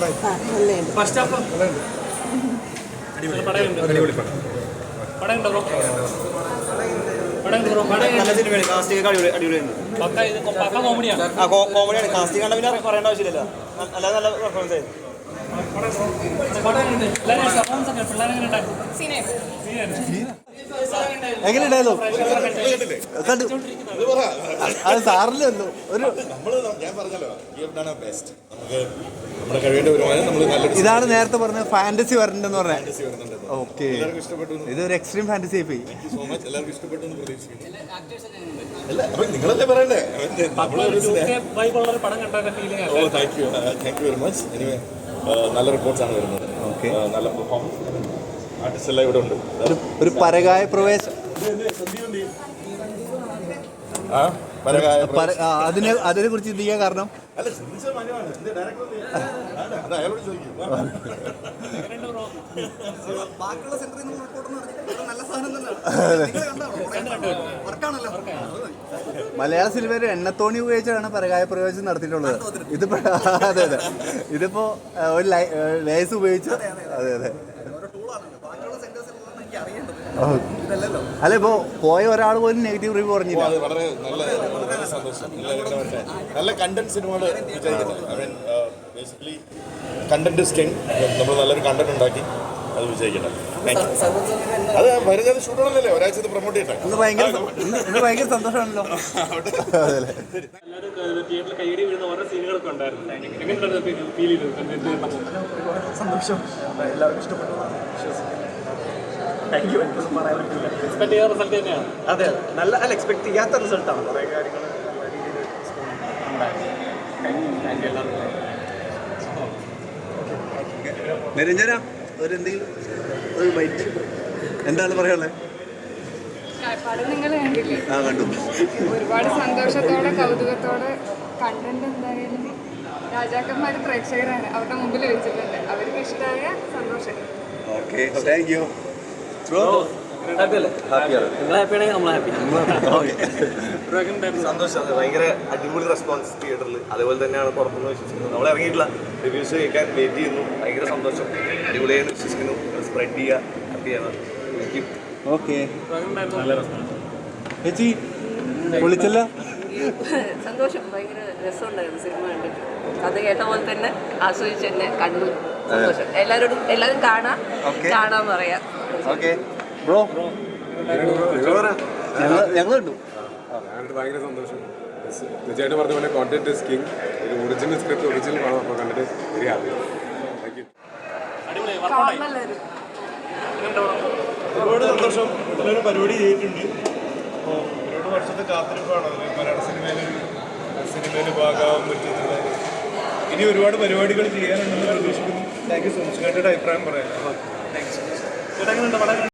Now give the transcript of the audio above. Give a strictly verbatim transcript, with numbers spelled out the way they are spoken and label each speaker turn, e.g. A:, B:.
A: കോമഡിയാണ്. കാസ്റ്റിംഗ് കണ്ട പിന്നെ പറയേണ്ട ആവശ്യമില്ല. അല്ലാതെ നല്ല പെർഫോമൻസ് ആയിരുന്നു.
B: എങ്ങനെയുണ്ടായിരുന്നു? അത് സാറിലല്ലോ ഒരു ഇതാണ് നേരത്തെ പറഞ്ഞ ഫാന്റസി വരണ്ടെന്ന് പറഞ്ഞാൽ. ഓക്കെ, ഇതൊരു എക്സ്ട്രീം ഫാന്റസി ആയി പോയി.
C: നിങ്ങളല്ലേ പറയണ്ടേ? നല്ല റിപ്പോർട്ട്സ് ആണ് വരുന്നത്. നല്ല പെർഫോമൻസ് ആർട്ടിസ്റ്റ് എല്ലാം ഇവിടെ ഉണ്ട്.
B: ഒരു പരകായ പ്രവേശം അതിനെ അതിനെ കുറിച്ച് ചിന്തിക്കാൻ കാരണം മലയാള സിനിമയിൽ എണ്ണത്തോണി ഉപയോഗിച്ചാണ് പരകായ പ്രവേശം നടത്തിയിട്ടുള്ളത്. ഇതിപ്പോ അതെ അതെ ഇതിപ്പോ ഒരു ലേസ് ഉപയോഗിച്ച് അതെ അതെ അല്ല ഇപ്പോ പോയ ഒരാൾ പോലും നെഗറ്റീവ് റിവ്യൂ പറഞ്ഞില്ല.
C: വളരെ നല്ല സന്തോഷം. നല്ല കണ്ടന്റ് സിനിമകൾ ബേസിക്കലി കണ്ടന്റ് ഇസ് കിങ്. നമ്മൾ നല്ലൊരു കണ്ടന്റ് ഉണ്ടാക്കി അത് വിജയിക്കട്ടെ. അത് വരുന്നത് ഷൂട്ടാണല്ലേ, ഒരാഴ്ച പ്രൊമോട്ട് ചെയ്യട്ടെ.
B: ഇന്ന് ഭയങ്കര ഇന്ന് ഭയങ്കര സന്തോഷമാണല്ലോ.
D: സന്തോഷം, എല്ലാവർക്കും ഇഷ്ടപ്പെട്ടു. Thank you. എനിക്കൊന്നും പറയാൻ പറ്റില്ല.
E: എക്സ്പെക്ട് ചെയ്യാത്ത റിസൾട്ട് തന്നെയാണ്.
D: അതെ, നല്ല അല്ല എക്സ്പെക്ട് ചെയ്യാത്ത റിസൾട്ടാണ്. കുറേ കാര്യങ്ങൾ
B: നിരഞ്ജന ഒരു എന്തെങ്കിലും ഒരു ബൈറ്റ് എന്താണ് പറയാനുള്ളത്?
F: നിങ്ങൾ കണ്ടില്ലേ?
B: ആ കണ്ടു.
F: ഒരുപാട് സന്തോഷത്തോടെ കൗതുകത്തോടെ കണ്ടന്റ് എന്തായാലും രാജാക്കന്മാർ പ്രേക്ഷകരാണ്, അവരുടെ മുമ്പിൽ വെച്ചിട്ടുണ്ട്. അവർക്ക് ഇഷ്ടമായ സന്തോഷം.
B: Okay, thank you.
A: സന്തോഷം, ഭയങ്കര അടിപൊളി റെസ്പോൺസ് തിയേറ്ററിൽ. അതേപോലെ തന്നെയാണ് പുറത്തുനിന്ന് വിശ്വസിക്കുന്നത്. നമ്മൾ ഇറങ്ങിയിട്ടില്ല, റിവ്യൂസ് കേൾക്കാൻ വെയിറ്റ് ചെയ്യുന്നു. ഭയങ്കര സന്തോഷം, അടിപൊളിയായിട്ട് വിശ്വസിക്കുന്നു. സ്പ്രെഡ് ചെയ്യുക, ഹാപ്പി ചെയ്യുക.
B: ഓക്കെ ചേച്ചി വിളിച്ചല്ല?
G: സന്തോഷം, ഭയങ്കര രസമുണ്ടായിരുന്നു സിനിമ കണ്ടിട്ട്. അത് കേട്ട പോലെ തന്നെ ആസ്വദിച്ച് തന്നെ കണ്ടു. സന്തോഷം. എല്ലാവരോടും എല്ലാവരും കാണാം, കാണാൻ പറയാം.
B: ഓക്കെ ബ്രോ, ഞങ്ങൾ കണ്ടു.
H: ഞാനിട്ട് ഭയങ്കര സന്തോഷം. തീർച്ചയായിട്ടും പറഞ്ഞ പോലെ കോണ്ടന്റ് ഇസ് കിങ്. ഒരു ഒറിജിനൽ സ്ക്രിപ്റ്റ് ഒറിജിനൽ പടം അപ്പോൾ കണ്ടിട്ട് വെരി ഹാപ്പി. Thank you.
C: ഒരുപാട് സന്തോഷം. ഇതിലൊരു പരിപാടി ചെയ്തിട്ടുണ്ട്. അപ്പോൾ ഒരുപാട് വർഷത്തെ കാത്തിരിപ്പാണ് മലയാള സിനിമയിലൊരു സിനിമയിൽ ഭാഗമാകാൻ പറ്റുന്നത്. ഇനി ഒരുപാട് പരിപാടികൾ ചെയ്യാനുണ്ടെന്ന് പ്രതീക്ഷിക്കുന്നു. Thank you so much. കേട്ടിട്ട് അഭിപ്രായം പറയാം. താങ്ക്സ്. ചേട്ടാ എങ്ങനെയുണ്ട്?